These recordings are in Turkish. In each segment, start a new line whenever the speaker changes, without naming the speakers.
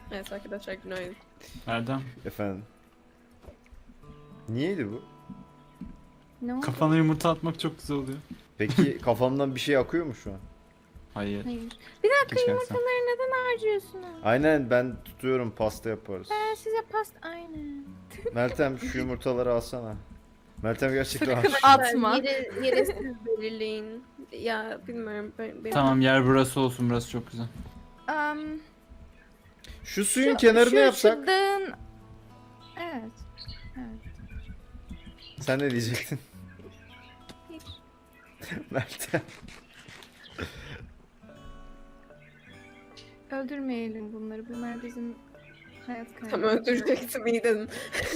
Evet arkadaşlar günaydın.
Erdem,
Efendim. Niyeydi bu?
Ne oldu?
kafana yumurta atmak çok güzel oluyor.
Peki kafamdan bir şey akıyor mu şu an?
Hayır.
Hayır. Bir dakika,
Keşke
yumurtaları neden harcıyorsunuz?
Aynen, ben tutuyorum, pasta yaparız.
Ben size aynen.
Meltem şu yumurtaları alsana. Meltem gerçekten
Sakın
aç.
atma.
Yeri siz belirleyin. Ya bilmiyorum. Benim...
Tamam, yer burası olsun, burası çok güzel.
Şu suyun kenarını yapsak.
Şu dağın... Evet. Evet.
Sen ne diyecektin?
Hiç.
Meltem.
Öldürmeyelim bunları. Bunlar bizim hayat kaybı.
Tam öldürecektim iyi dedim.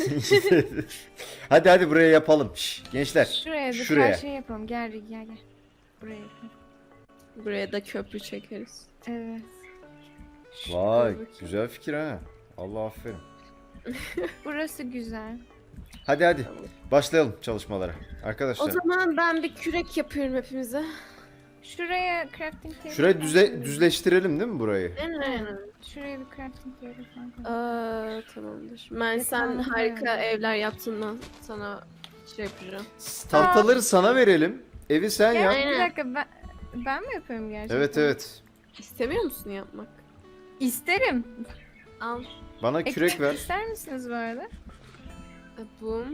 Hadi buraya yapalım. Şş, gençler.
Şuraya da
Şuraya.
karşıya yapalım. Gel gel gel. Buraya yapalım.
Buraya da köprü çekeriz.
Evet.
Vay,
Dur bakayım.
güzel fikir ha. Allah aferin.
Burası güzel.
Hadi başlayalım çalışmalara. Arkadaşlar.
O zaman ben bir kürek yapıyorum hepimize.
Şuraya crafting table.
Şurayı düzleştirelim değil mi burayı?
Aynen.
Şuraya bir crafting table falan koyalım.
Tamamdır. Ben
Ya,
sen
tamam,
harika
tamam.
evler yaptığından sana şey yapacağım.
Tahtaları sana verelim. Evi sen yap.
Aynen.
Bir dakika, ben mi yapıyorum gerçekten?
Evet.
İstemiyor musun yapmak?
İsterim.
Al.
Bana kürek ver.
İster misiniz bu arada?
Bum.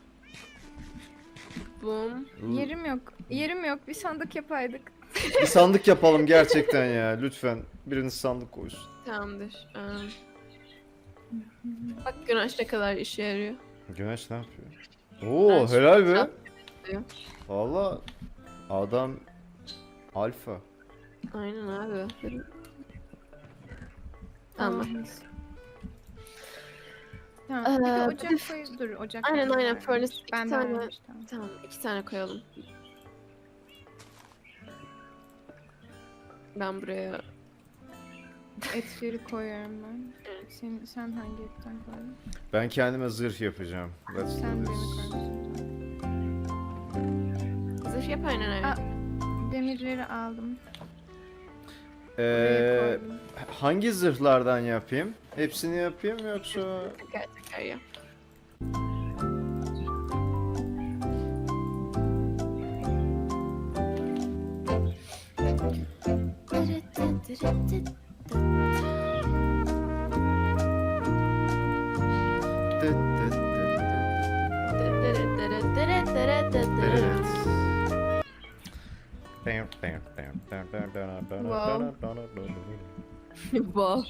Bum.
Yerim yok. Yerim yok. Bir sandık yapaydık.
Bir sandık yapalım gerçekten ya. Lütfen biriniz sandık koysun.
Tamamdır. Bak güneş ne kadar işe yarıyor.
Güneş ne yapıyor? Oo,
Ben
helal be.
yapıyor.
Valla adam alfa.
Aynen abi. Tamam.
Tamam. Bir de
Ee,
ocak koy. Dur, ocak.
Aynen,
koy.
aynen. Furnace iki
Ben de
tane-
varmış, tamam.
Tamam 2 tane koyalım. Ben buraya
Etleri koyuyorum ben.
Evet.
Sen hangi etten koydun?
Ben kendime zırh yapacağım. Let's
Sen
do
demir
this.
koymuşsun.
zırh yap aynen öyle.
Aa. Demirleri aldım.
Ee,
Buraya koydum.
hangi zırhlardan yapayım? Hepsini yapayım yoksa?
Teker teker yap. Wow.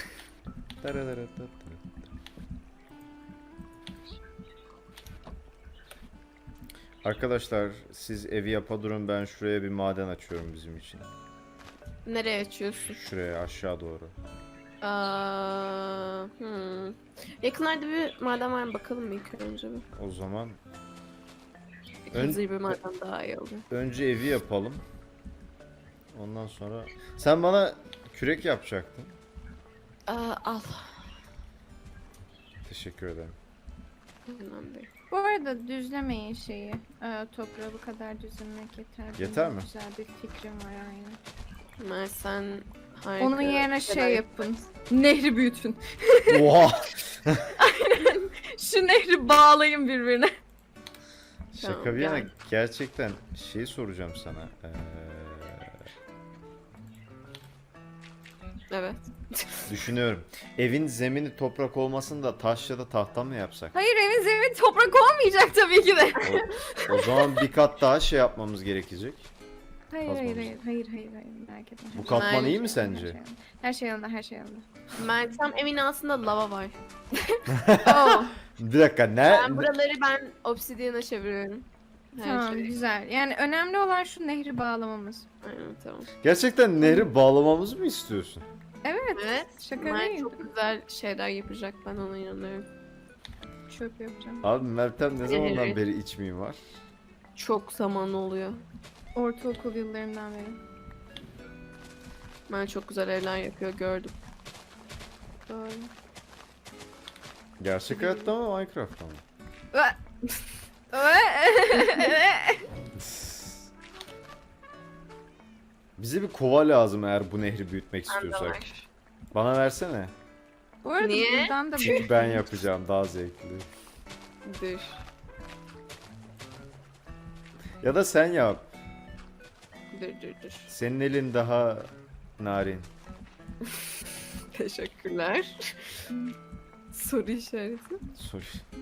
Arkadaşlar siz evi yapa durun, ben şuraya bir maden açıyorum bizim için.
Nereye açıyorsun?
Şuraya aşağı doğru.
Yakınlarda bir maden var mı bakalım mı ilk önce bir?
O zaman
Hızlı bir maden daha iyi olur.
önce evi yapalım. Ondan sonra sen bana kürek yapacaktın.
Al.
Teşekkür ederim.
Önemli değil.
Bu arada düzlemeyin şeyi. Toprağı bu kadar düzlemek yeter.
Yeter
Benim
mi?
Güzel bir fikrim var aynen.
Mert sen harika.
Onun yerine
şeyler
şey yapın. Nehri büyütün.
Oha!
Şu nehri bağlayın birbirine.
Şaka
Tamam,
bir yana
gel.
gerçekten şey soracağım sana.
Evet.
Düşünüyorum. Evin zemini toprak olmasın da taş ya da tahta mı yapsak?
Hayır, evin zemini toprak olmayacak tabii ki de.
O zaman bir kat daha şey yapmamız gerekecek.
Hayır
Kazmamız.
hayır merak etme.
Bu katman iyi mi
Bence-
sence?
Her şey yolunda, her şey yolunda.
Meltem evin altında lava var.
Oh,
Bir dakika ne?
Ben buraları obsidian'a çeviriyorum. Her
tamam
şey.
güzel. Yani önemli olan şu nehri bağlamamız.
Aynen tamam.
Gerçekten nehri bağlamamızı mı istiyorsun?
Evet.
Evet.
Şaka
Mert
değil.
çok güzel şeyler yapacak ben ona inanıyorum.
Çöp yapacağım.
Abi Meltem ne zamandan
Evet.
beri iç mimar?
Çok zaman oluyor.
Ortaokul yıllarından beri.
Ben çok güzel evler yapıyor gördüm.
Doğru.
Gerçek hayatta mı Minecraft'ta mı? Bize bir kova lazım eğer bu nehri büyütmek
Bende
istiyorsak.
var.
Bana versene.
Bu arada
Niye?
buradan da
Çünkü ben yapacağım daha zevkli.
Dur.
Ya da sen yap.
Dur.
Senin elin daha narin.
Teşekkürler. Soru işareti.
Sor.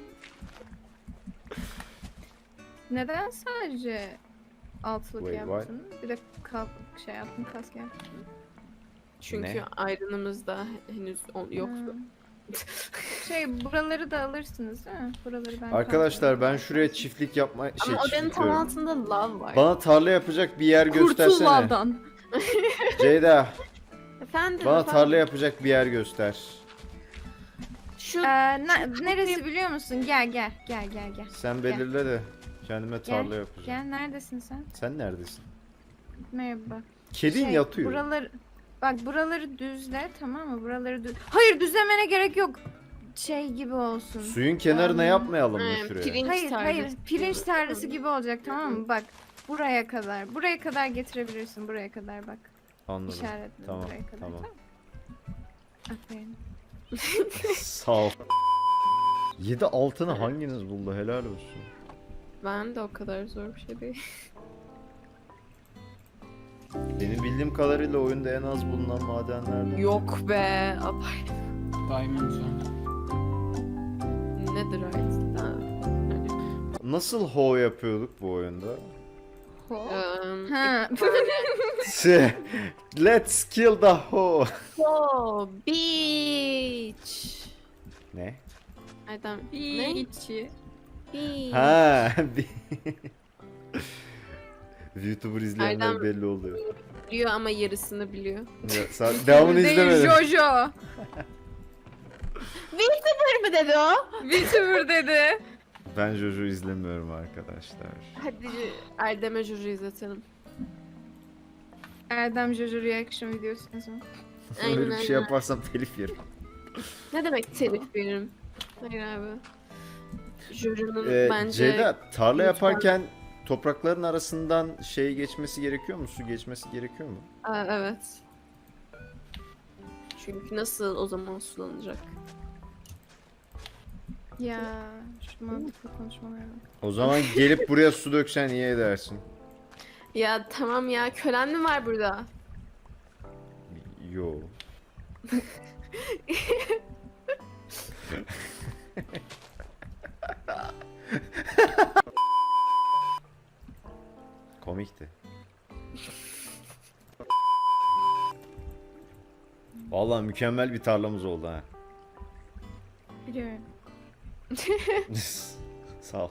Neden sadece altılık
Wait,
yaptın? Bir de şey yaptın, kask yaptın.
Çünkü
Ne?
ayrınımızda henüz yoktu.
Ha. Şey buraları da alırsınız değil mi? Buraları ben
Arkadaşlar ben
kaldırırım.
şuraya çiftlik yapma
Ama odanın
çiftlik
tam
diyorum.
altında lav var.
Bana tarla yapacak bir yer
Kurtul
göstersene.
lavdan.
Ceyda
Efendim.
bana
efendim.
tarla yapacak bir yer göster.
Şu
Neresi biliyor musun? Gel.
Sen belirle de kendime tarla yapacağım.
Gel neredesin sen?
Sen neredesin?
Merhaba.
Kedin yatıyor.
Buraları düzle, tamam mı? Buraları Hayır, düzlemene gerek yok. Şey gibi olsun.
Suyun kenarına yapmayalım mı
He,
şuraya?
pirinç
Hayır,
tarlası.
pirinç tarlası gibi olacak, tamam mı? Bak, buraya kadar. Buraya kadar getirebilirsin, buraya kadar bak.
Anladım.
İşaretle
Tamam,
buraya kadar.
tamam.
Aferin.
Sağ ol. 7 altını hanginiz buldu? Helal olsun.
Ben de o kadar zor bir şey değil.
Benim bildiğim kadarıyla oyunda en az bulunan madenlerden.
Yok be. Abay.
Diamond var.
Nedir artık?
Nasıl ho yapıyorduk bu oyunda?
Ha.
Let's kill the ho.
Oh, beach.
Ne?
Adam. Ne?
İçi.
Beach.
Ha. YouTuber izleyenler
Erdem-
belli oluyor.
Biliyor ama yarısını biliyor.
Ya, devamını izlemedim.
Jojo.
VTuber mı dedi o?
VTuber dedi.
Ben Jojo izlemiyorum arkadaşlar.
Hadi Erdem'e Jojo izletelim.
Erdem Jojo reaction videosu yazın.
Aynen,
Öyle bir şey
aynen.
yaparsam telif yerim.
Ne demek telif veririm? Hayır abi. Jojo'nun bence...
Ceyda tarla
lütfen.
yaparken toprakların arasından şey geçmesi gerekiyor mu? Su geçmesi gerekiyor mu?
Aa, evet. Çünkü nasıl o zaman sulanacak?
Ya şu mantıklı konuşmalara bak.
O zaman gelip buraya su döksen iyi edersin.
Ya tamam ya, kölen mi var burada?
Yo. Komikti. Vallahi mükemmel bir tarlamız oldu ha.
Biliyorum.
Sağ ol.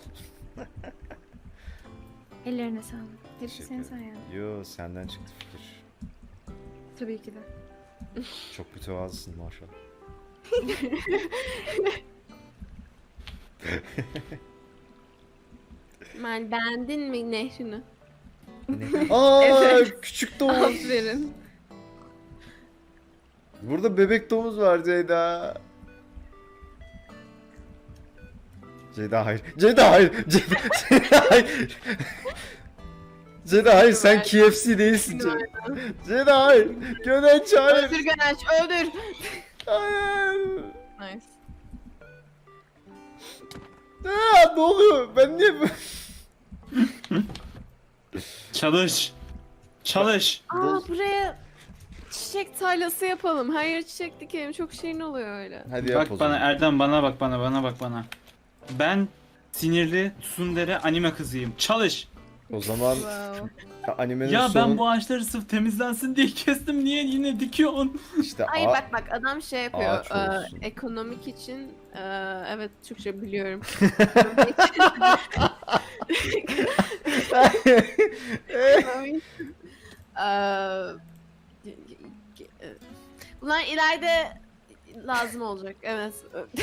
Ellerine sağlık. Hepsi
Teşekkür
senin
ederim.
sayende.
Yo senden çıktı fikir.
Tabii ki de.
Çok mütevazısın maşallah.
Ben beğendin mi nehrini?
Ne? Aa
Evet.
küçük domuz.
Aferin.
Burada bebek domuz var Ceyda. Ceyda hayır. Ceyda hayır. Ceyda hayır. Ceyda hayır sen KFC değilsin Ceyda. Ceyda hayır. Gönenç hayır.
Öldür Gönenç, öldür!
Hayır.
Nice.
Aa, ne oluyor? Ben niye bu?
Çalış. Çalış.
Aa, buraya çiçek tarlası yapalım. Her yere çiçek dikelim. Çok şirin oluyor öyle.
Hadi yap
Bak
o
bana
zaman.
Erdem, bana bak bana. Ben sinirli tsundere anime kızıyım. Çalış.
O zaman
Wow.
animenin
Ya
sonu
ben bu ağaçları sırf temizlensin diye kestim. Niye yine dikiyorsun?
işte
Ay bak adam şey yapıyor.
ağaç olsun.
Ekonomik için evet Türkçe biliyorum. Ekonomik, bunlar ileride lazım olacak. Evet.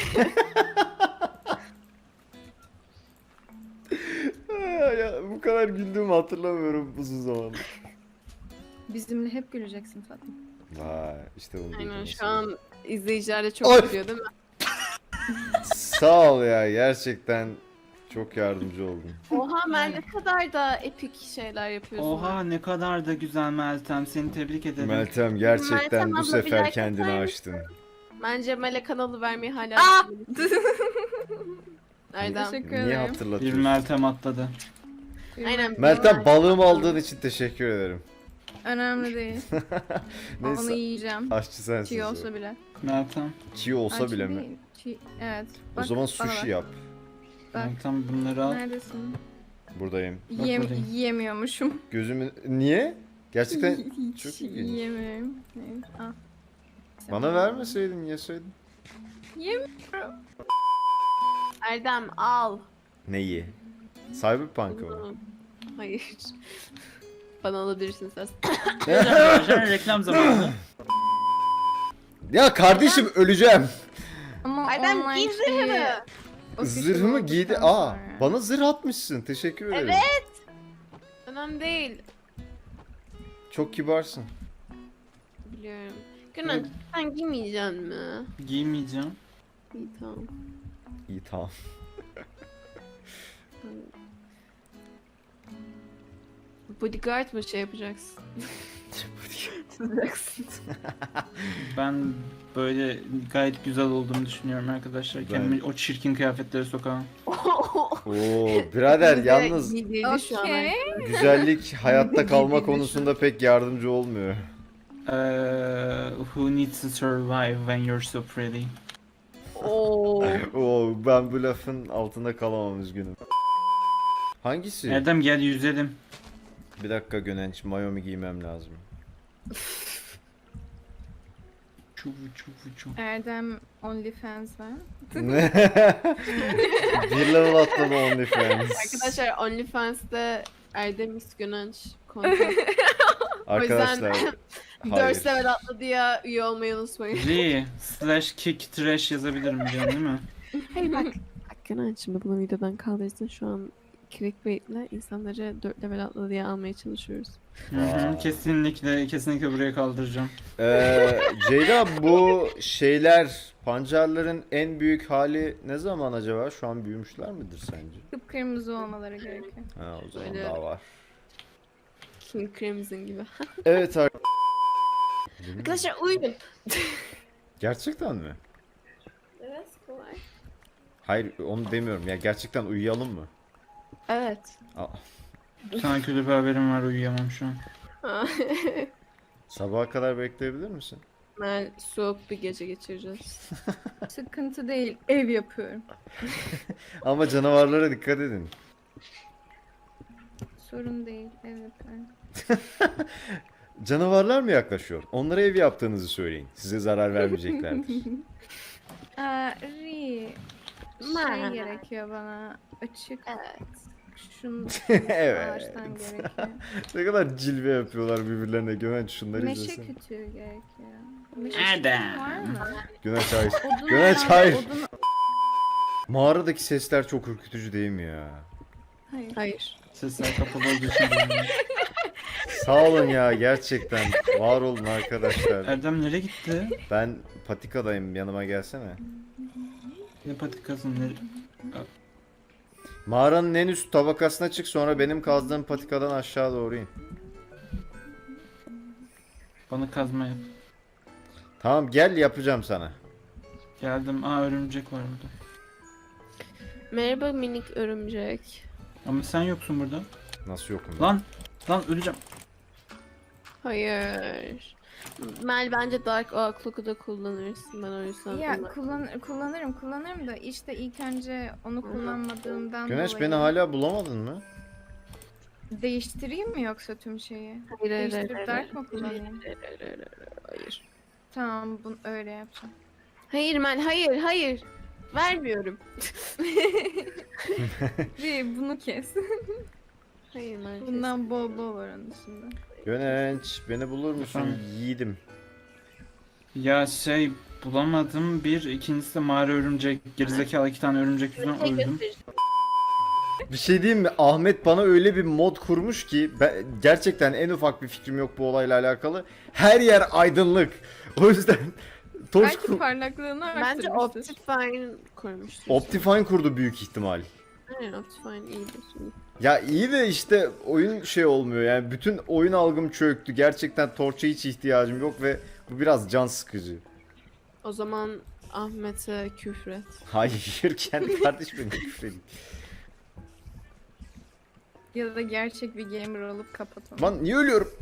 ya, bu kadar güldüğümü hatırlamıyorum uzun zamandır.
Bizimle hep güleceksin Fatma.
Vay işte bunu
Aynen
duydum
şu an izleyiciler de çok
Ay!
biliyor değil mi?
Sağ ol ya gerçekten çok yardımcı oldun.
Oha Mel ne kadar da epik şeyler yapıyorsun.
Oha ne kadar da güzel Meltem. Seni tebrik ederim.
Meltem gerçekten
Meltem
bu
abla, bir
sefer
like
kendini
atar
açtın.
Bence Melek kanalı vermeyi hala
Aa!
düşünüyorum. Erdem.
Teşekkür
Niye
ederim.
Bir
hatırlatıyorsun?
Meltem atladı.
Aynen.
Meltem balığımı aldığın için teşekkür ederim.
Önemli değil. Onu
Neyse
yiyeceğim.
aşçı sensin.
Çiğ olsa bile.
Meltem.
Çiğ olsa
Ay,
bile
çiğ
mi?
değil, çiğ. Evet.
O
Bak,
zaman
bana
sushi
bak.
yap.
Bak.
Meltem bunları al.
Neredesin?
Buradayım.
buradayım.
Yiyemiyormuşum.
Gözümün... Niye? Gerçekten
Hiç
çok ilginç.
yiyemiyorum. Evet, al.
bana vermeseydin yeseydin.
Yemiyorum.
Erdem al.
Neyi? Cyberpunk'ı mı?
Bunu. Hayır. Bana alabilirsin sen.
Arkadaşlar reklam zamanı.
Ya kardeşim öleceğim.
Ama
Erdem
online
giy
şeyi-
zırhını.
official
Zırhımı
olduktan
giydi.
sonra.
Bana zırh atmışsın. Teşekkür ederim.
Evet. Önemli değil.
Çok kibarsın.
Biliyorum. Günan sen giymeyeceksin mi?
Giymeyeceğim.
İyi tamam.
İyi tamam.
Bodyguard mı şey yapacaksın? Yapacaksın.
Ben böyle gayet güzel olduğumu düşünüyorum arkadaşlar. Kendimi o çirkin kıyafetlere sokamam.
Oo birader yalnız
Giydirdi şu an.
Okey.
güzellik hayatta kalma
Giydirdi şu
konusunda pek yardımcı olmuyor.
Who needs to survive when you're so pretty?
Oo.
Oo ben bu lafın altında kalamam üzgünüm. Hangisi?
Erdem gel yüzelim.
Bir dakika Gönenç, mayomu giymem lazım.
Çuvu çuvu çuvu.
Erdem OnlyFans var.
Ne? Bir level atladı OnlyFans.
Arkadaşlar OnlyFans'te Erdem İskönenç kontak.
Arkadaşlar.
4 level atladı ya, üye olmayı unutmayın.
/kick trash yazabilirim biliyorsun değil mi?
Hayır bak. Gönenç şimdi bunu videodan kaldırsın, şu an clickbait'le insanları 4 level atladı diye almaya çalışıyoruz.
Hı, kesinlikle buraya kaldıracağım.
Ceyda bu şeyler pancarların en büyük hali ne zaman acaba? Şu an büyümüşler midir sence?
Kıpkırmızı olmaları gerekiyor.
Ha o zaman
Böyle-
daha var.
King Crimson gibi.
Evet
Arkadaşlar uyuyun.
Gerçekten mi?
Evet kolay.
Hayır onu demiyorum ya gerçekten uyuyalım mı?
Evet.
Aa,
Sana kötü bir haberim var, uyuyamam şu an.
sabaha kadar bekleyebilir misin?
Ben soğuk bir gece geçireceğiz.
Sıkıntı değil. Ev yapıyorum.
Ama canavarlara dikkat edin.
Sorun değil. Ev yapıyorum.
Canavarlar mı yaklaşıyor? Onlara ev yaptığınızı söyleyin. Size zarar vermeyeceklerdir.
Ri.
Ma.
Gerekiyor bana. Açık.
Evet.
Şunu
Evet.
ağaçtan gerekiyor.
Ne kadar cilve yapıyorlar birbirlerine. Gönenç şunları
Meşe
izlesin.
kütüğü gerekiyor. Meşe
Erdem.
kütüğü var mı?
Gönenç hayır.
Odun
Gönenç
yani,
hayır.
odun-
Mağaradaki sesler çok ürkütücü değil mi ya?
Hayır.
Hayır.
Sesler kapalı olduğu için bilmiyorum.
Sağ olun ya gerçekten. Var olun arkadaşlar.
Erdem nereye gitti?
Ben patikadayım yanıma gelsene.
Ne patikasın ne?
Mağaranın en üst tabakasına çık sonra benim kazdığım patikadan aşağı doğru in.
Bana kazma yap.
Tamam gel yapacağım sana.
Geldim. Aa örümcek var burada.
Merhaba minik örümcek.
Ama sen yoksun burada.
Nasıl yokum ben?
Lan öleceğim.
Hayır. Mel bence Dark Oak Clock'u da kullanırsın, ben o yüzden.
Ya
kullan-
kullanırım da işte ilk önce onu kullanmadığımdan
Güneş
dolayı
beni hala bulamadın mı?
değiştireyim mi yoksa tüm şeyi?
Hayır, hayır,
Değiştirip
hayır,
Dark mı kullanayım?
Hayır.
Tamam bunu öyle yapacağım.
Hayır Mel, hayır, hayır. Vermiyorum.
Ve bunu kes.
Hayır Mel.
Bundan bol bol var onun dışında.
Gönenç beni bulur musun?
Efendim?
Yiğidim.
Ya bulamadım. İkincisi de mağara örümcek. Gerizekalı 2 tane örümcek yüzünden öldüm.
Bir şey diyeyim mi? Ahmet bana öyle bir mod kurmuş ki ben, gerçekten en ufak bir fikrim yok bu olayla alakalı. Her yer aydınlık. O yüzden torç
Belki parlaklığını
Bence
arttırmıştır.
Optifine koymuştur.
Optifine kurdu büyük ihtimal.
Aynen Optifine iyidir.
Ya iyi de işte oyun şey olmuyor yani bütün oyun algım çöktü. Gerçekten torça hiç ihtiyacım yok ve bu biraz can sıkıcı.
O zaman Ahmet'e küfret.
Hayır, kendi kardeşime küfredin.
Ya da gerçek bir gamer olup kapat onu.
Lan niye ölüyorum?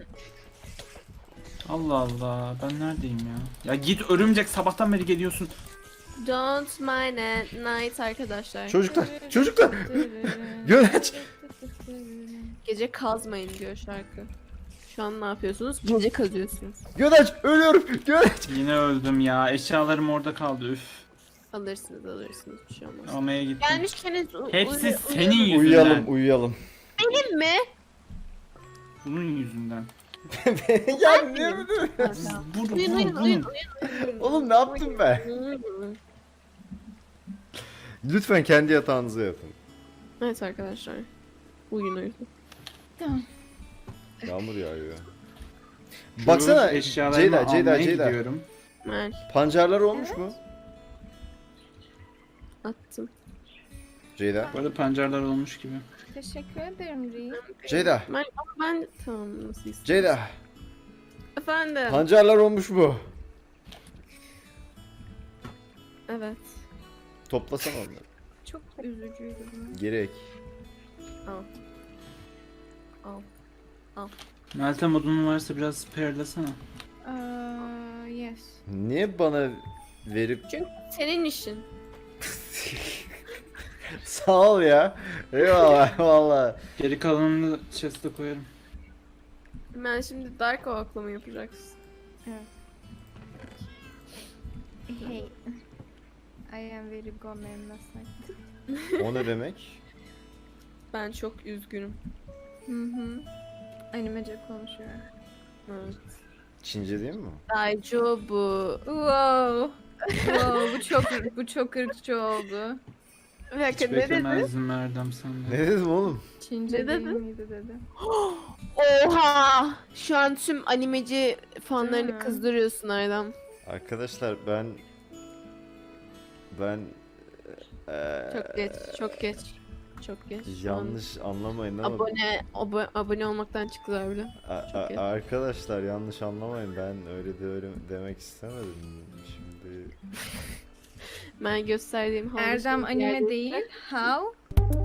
Allah Allah, ben neredeyim ya? Ya git örümcek, sabahtan beri geliyorsun.
Don't mind at night arkadaşlar.
Çocuklar, çocuklar! Göneç!
Gece kazmayın diyor şarkı. Şu an ne yapıyorsunuz? Gece kazıyorsunuz.
Göneç! Ölüyorum! Göneç!
Yine öldüm ya, eşyalarım orada kaldı, üf.
Alırsınız bir şey olmaz.
Almaya gittim.
Gelmişkeniz
Hepsi senin yüzünden.
Uyuyalım, uyuyalım.
Benim mi?
Bunun yüzünden.
Ya niye mi?
Uyuyun.
Oğlum ne yaptım ben? Lütfen kendi yatağınıza yapın.
Evet arkadaşlar. Uyuyun.
Tamam.
Yağmur yağıyor.
Şu
Baksana
eşyalarımı almaya
Ceyda.
gidiyorum.
Mer
Pancarlar olmuş mu?
attım.
Ceyda.
Bu arada pancarlar olmuş gibi.
Teşekkür ederim Ree.
Ceyda.
Mer ama ben tamam nasıl istiyorsun?
Ceyda.
Efendim.
Pancarlar olmuş mu?
Evet.
Toplasana onları.
Çok üzücüydü bu.
Gerek.
Al.
Meltem odunun varsa biraz spare'lasana.
Yes.
Niye bana verip...
Senin işin.
Sağ ol ya. Eyvallah valla.
Geri kalanını chest'e koyarım.
Ben şimdi Dark Oak'la mı yapacaksın?
Hey. I am very gomen last night.
O ne demek?
Ben çok üzgünüm.
Hı. Animece konuşuyor.
Evet.
Çince değil mi?
Daijo bu.
Wow. Bu çok ırkçı oldu.
Bir dakika
Hiç
ne dedi?
beklemezdim Erdem senden.
Ne dedim oğlum?
Çince
Ne
değil
dedin?
miydi dedi.
Oha! Şu an tüm animeci
Değil
fanlarını
mi?
kızdırıyorsun Erdem.
Arkadaşlar ben...
Çok geç. Çok geç. Şu an
Yanlış anlamayın ama...
abone olmaktan çıktılar bile. çok iyi.
Arkadaşlar yanlış anlamayın, ben öyle demek istemedim. Şimdi...
Ben gösterdiğim havlu
Erdem
şey
anime
yerde-
değil. How?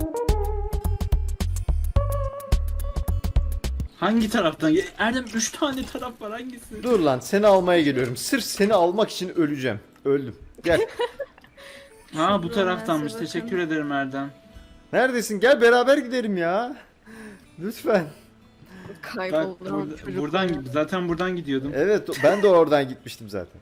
Hangi taraftan? Erdem 3 tane taraf var, hangisi?
Dur lan, seni almaya geliyorum. Sırf seni almak için öleceğim. Öldüm. Gel.
Ha bu
Şuradan
taraftanmış.
bakın.
Teşekkür ederim Erdem.
Neredesin? Gel beraber gidelim ya. Lütfen.
Bak
Kayboldu.
buradan zaten buradan gidiyordum.
Evet, ben de oradan gitmiştim zaten.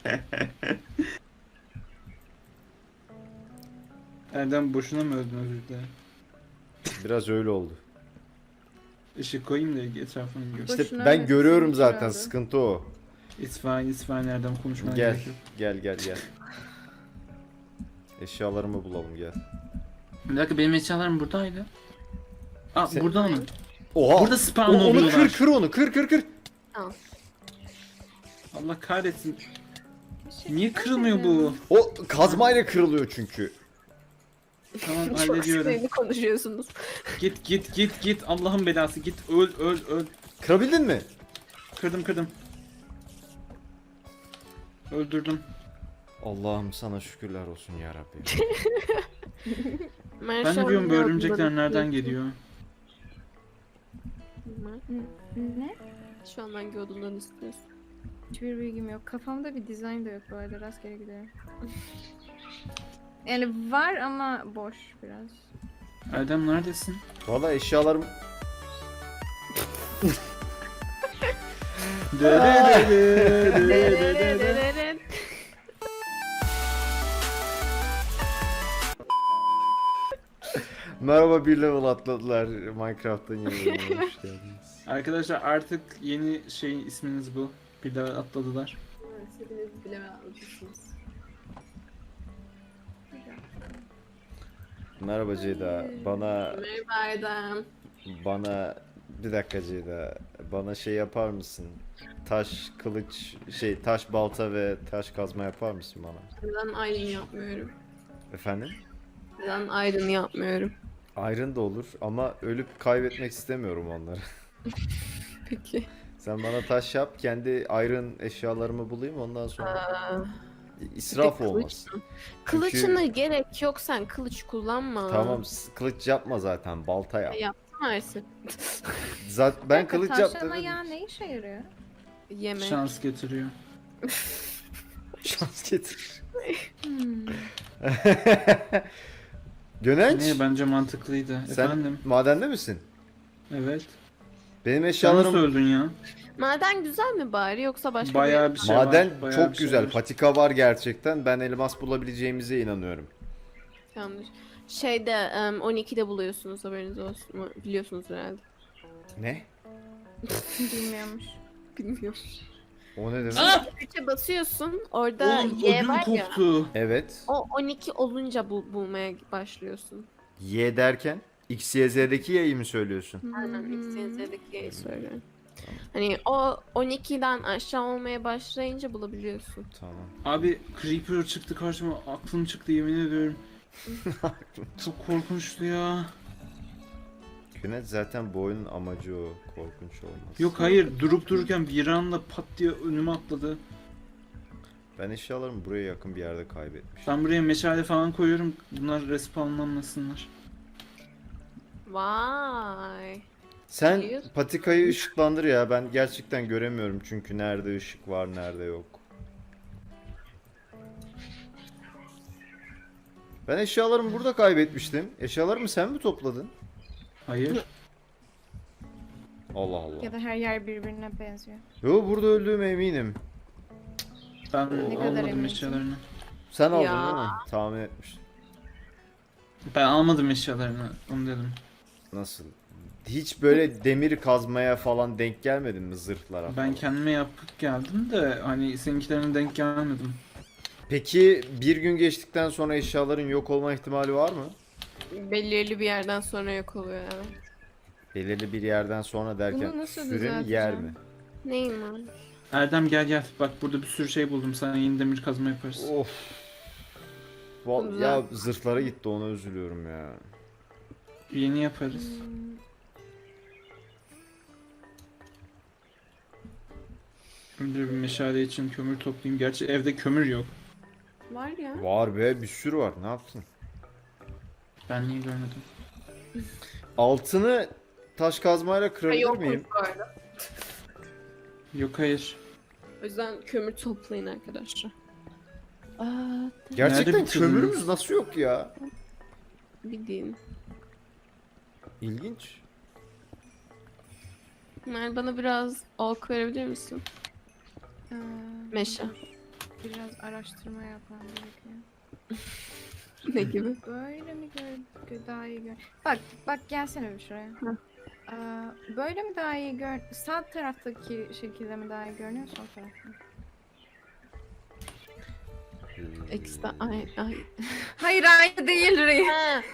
Erdem boşuna mı öldün, özür dilerim.
Biraz öyle oldu.
Işık koyayım da etrafını gör.
İşte
Boşuna
ben
öyle
görüyorum
düşündük
zaten,
herhalde.
sıkıntı o.
It's fine Erdem, konuşmaya
Gel,
gerek yok.
gel. Eşyalarımı bulalım, gel.
Bir dakika, benim eşyalarım buradaydı. Aa
Sen-
burada mı?
Oha!
Burada spawn
Onu
oluyorlar.
kır onu, kır.
Allah kahretsin.
Teşekkür
Niye kırılmıyor bu?
ederim.
O kazmayla kırılıyor çünkü.
Tamam
Çok
hallediyorum.
sinirli konuşuyorsunuz.
Git Allah'ın belası, git öl.
Kırabildin mi?
Kırdım. Öldürdüm.
Allah'ım sana şükürler olsun ya Rabbi.
Mer
Ben
şu
de
an
diyorum bu
ne
örümcekler
olduğunu
nereden
istiyorsun?
geliyor?
Mer,
Ne?
şu an hangi olduğundan istiyorsun?
Hiçbir bilgim yok. Kafamda bir dizayn da yok bu arada. Rastgele gidiyorum. Yani var ama boş biraz.
Erdem neredesin?
Valla eşyalarım... Merhaba, bir level atladılar. Minecraft'ın yeni bölümüne hoş geldiniz.
Arkadaşlar artık yeni şeyin isminiz bu. Bir daha atladılar.
Hepiniz bilemezsiniz.
Merhaba Ceyda.
Merhaba Erdem.
Bana bir dakika Ceyda. Bana şey yapar mısın? Taş, kılıç, taş balta ve taş kazma yapar mısın bana?
Neden ayrım yapmıyorum?
Efendim?
Neden ayrım yapmıyorum?
Iron da olur ama ölüp kaybetmek istemiyorum onları.
Peki.
Sen bana taş yap, kendi iron eşyalarımı bulayım, ondan sonra israf
Bir de
olmaz.
Kılıçına gerek yok, sen kılıç kullanma.
Tamam, kılıç yapma zaten, balta yap.
Yaptım Ersin.
Zaten ben kılıç
Tavşanın
yaptım.
ayağı ne işe yarıyor?
Yemek.
Şans getiriyor.
Şans getir.
Hmm.
Gönenç,
Ne bence mantıklıydı.
sen
Efendim.
madende misin?
Evet.
Benim
Sen nasıl
eşyalarım
öldün ya?
Maden güzel mi bari yoksa başka
Bayağı
bir
bir şey
maden
var. Bayağı
çok
bir şey
güzel.
var.
Patika var gerçekten. Ben elmas bulabileceğimize inanıyorum.
yanlış. Şeyde 12'de buluyorsunuz, haberiniz olsun. Biliyorsunuz herhalde.
Ne?
Bilmiyormuş.
Bilmiyorum.
O ne demek?
Ah!
3'e basıyorsun, orada
Oğlum
Y
ödüm
var ya.
koptu.
Evet.
O 12 olunca bulmaya başlıyorsun.
Y derken X, Y, Z'deki Y'yi mi söylüyorsun?
Aynen
Hmm.
XYZ'deki Y'yi söylüyorum. Hani o 12'den aşağı olmaya başlayınca bulabiliyorsun.
Tamam.
Abi Creeper çıktı karşıma. Aklım çıktı yemin ediyorum. Çok korkunçtu ya.
Güneş zaten bu oyunun amacı o. Korkunç olmaz.
Yok hayır durup dururken bir anda pat diye önüme atladı.
Ben eşyalarımı buraya yakın bir yerde kaybetmişim.
Ben buraya meşale falan koyuyorum. Bunlar respawnlanmasınlar.
Vay.
Sen
Biliyorsun.
patikayı ışıklandır ya. Ben gerçekten göremiyorum çünkü nerede ışık var, nerede yok. Ben eşyalarımı burada kaybetmiştim. Eşyalarımı sen mi topladın?
Hayır.
Allah Allah.
Ya da her yer birbirine benziyor.
Yo, burada öldüğüme eminim.
Ben
Ne kadar
almadım
eminsin?
eşyalarını.
Sen aldın
Ya.
değil mi? Tahmin etmiştim.
Ben almadım eşyalarını. Onu dedim.
Nasıl? Hiç böyle demir kazmaya falan denk gelmedin mi, zırhlara falan?
Ben kendime yapıp geldim de hani seninkilerine denk gelmedim.
Peki bir gün geçtikten sonra eşyaların yok olma ihtimali var mı?
Belirli bir yerden sonra yok oluyor evet.
Belirli bir yerden sonra derken
Bunu nasıl
süre mi, yer
düzelteceğim?
mi?
Neyim var?
Erdem gel. Bak burada bir sürü şey buldum. Sana yeni demir kazma yaparız.
Of.
Güzel.
Ya zırhlara gitti, ona üzülüyorum ya.
Yeni yaparız. Önce bir meşale için kömür toplayayım. Gerçi evde kömür yok.
Var ya.
Var be, bir sürü var, ne yaptın?
Ben niye görmedim?
Altını taş kazmayla
Ha,
kırabilir
yok
miyim?
bu arada.
Yok hayır.
O yüzden kömür toplayın arkadaşlar. Aa,
Gerçekten
Nerede bitirdiniz?
kömürümüz nasıl yok ya?
bildiğin.
İlginç.
Mer bana biraz ok verebilir misin? Meşe.
Biraz araştırma yapmam gerekiyor.
Ne gibi?
Böyle mi daha iyi gör? Bak gelsene bir şuraya.
Hı.
Böyle mi daha iyi gör? Sağ taraftaki şekilde mi daha iyi görünüyor, sol tarafta mı?
Ekstra ay.
Hayır aynı değil Rey.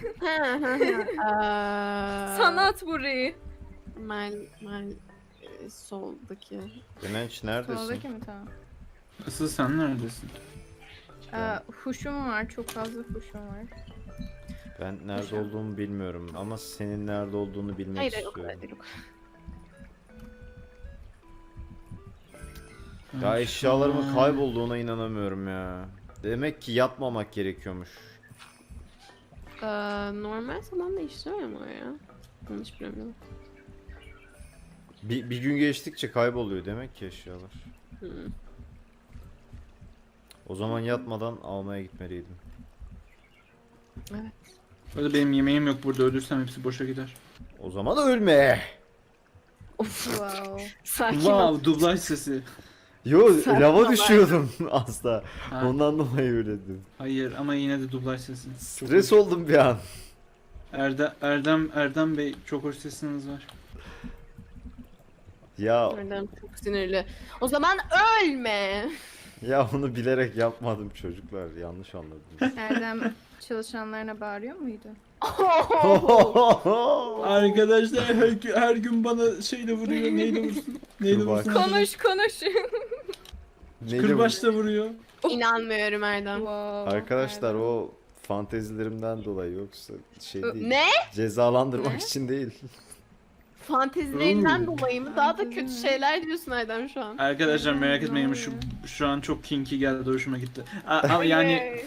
Sanat bu Rey.
Mel soldaki.
Güneş neredesin?
Soldaki mi, tamam.
Asıl sen neredesin?
Huşum var, çok fazla huşum var.
Ben nerede olduğumu bilmiyorum ama senin nerede olduğunu bilmek
Hayır o kadar
istiyorum.
değil.
Ya eşyalarımın kaybolduğuna inanamıyorum ya. Demek ki yatmamak gerekiyormuş.
Normal zaman değiştirmiyor mu o ya? Yanlış bilmiyorum.
Bir gün geçtikçe kayboluyor demek ki eşyalar.
Hmm.
O zaman yatmadan almaya gitmeliydim.
Evet.
Öyle benim yemeğim yok burada, ölürsem hepsi boşa gider.
O zaman ölme.
Of.
Wow.
Sakin ol.
Wow, dublaj sesi.
Yo,
Sen
lava
falan.
düşüyordum asla.
Ha,
Ondan dolayı öyle dedim.
hayır ama yine de dublaj sesi. Çok
Stres
hoş.
oldum bir an.
Erdem Bey çok hoş sesiniz var.
Ya
Oradan çok sinirli. O zaman ölme.
ya onu bilerek yapmadım çocuklar. Yanlış anladınız.
Erdem çalışanlarına bağırıyor muydu?
Arkadaşlar her gün bana şeyle vuruyor. Neyle vursun? Neyle
Kırbaç.
vursun?
Konuş.
Neydi bu?
Kırbaçla vuruyor.
İnanmıyorum Erdem.
Wow.
Arkadaşlar
Erdem.
o fantezilerimden dolayı, yoksa şey değil.
Ne?
Cezalandırmak
Ne?
için değil.
Fantezilerinden dolayı mı? Daha da kötü şeyler diyorsun Erdem şu an.
Arkadaşlar merak etmeyin şu an çok kinky geldi, hoşuma gitti. Ama yani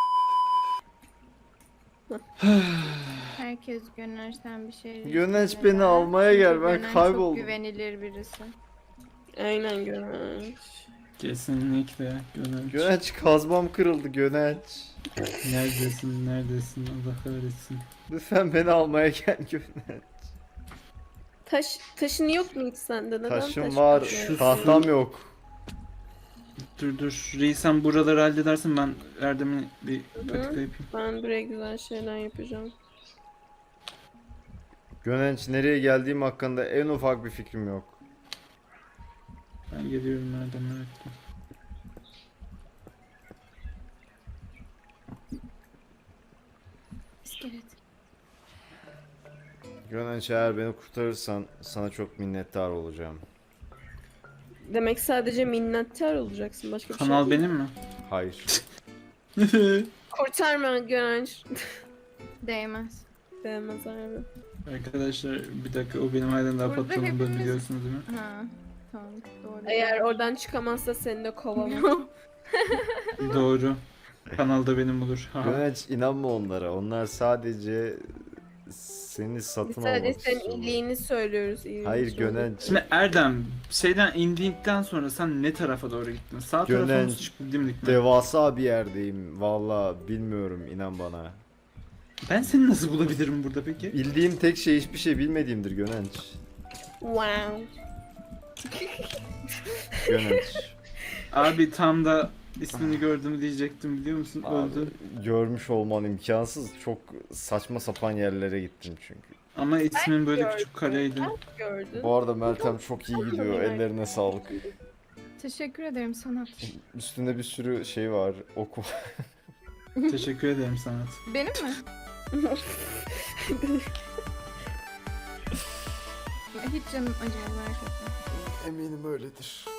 Herkes Gönenç'ten bir şey
Gönenç
istiyor.
beni almaya gel, ben
Gönenç
kayboldum.
çok güvenilir birisi.
Aynen Gönenç.
kesinlikle Gönenç.
Gönenç kazmam kırıldı Gönenç.
Neredesin Allah kahretsin.
Lütfen beni almaya gel Gönenç.
Taşın yok mu hiç sende? Neden
Taşım
taş
var,
yapıyorsun?
tahtam yok.
Dur Reis, sen buraları halledersin, ben Erdem'i bir patika yapayım.
Ben buraya güzel şeyler yapacağım.
Gönenç nereye geldiğim hakkında en ufak bir fikrim yok.
Ben geliyorum Erdem, evet.
İskelet.
Gönenç eğer beni kurtarırsan sana çok minnettar olacağım.
Demek sadece minnettar olacaksın. Başka bir şey
Kanal
değil.
benim mi?
Hayır.
Kurtarma Gönenç.
Değmez.
Değmez abi.
Arkadaşlar bir dakika, o benim halen daha
Burada
patronum,
hepimiz-
biliyorsunuz değil mi?
Ha. Tamam doğru.
Eğer oradan çıkamazsa seni de kovamam.
Doğru. Kanalda benim olur. Ha.
Gönenç inanma onlara. Onlar sadece seni
Biz
satın
sadece
almak
senin
istiyorlar.
iyiliğini söylüyoruz.
Hayır Gönenç.
Şimdi Erdem, şeyden indikten sonra sen ne tarafa doğru gittin? Sağ tarafa mı,
Gönenç,
dimdik mi?
Devasa bir yerdeyim. Valla bilmiyorum, inan bana.
Ben seni nasıl bulabilirim burada peki?
Bildiğim tek şey hiçbir şey bilmediğimdir Gönenç.
Wow.
Gönenç.
Abi tam da ismini gördüm diyecektim, biliyor musun?
Abi,
Öldü.
görmüş olman imkansız. Çok saçma sapan yerlere gittim çünkü.
Ama ismin böyle
gördüm.
küçük kareydi.
Gördün.
Bu arada Meltem çok iyi gidiyor. Ellerine sağlık.
Teşekkür ederim Sanat.
Üstünde bir sürü şey var. Oku.
Teşekkür ederim Sanat.
Benim mi? Hiç canım acıyor merak etme.
Eminim öyledir.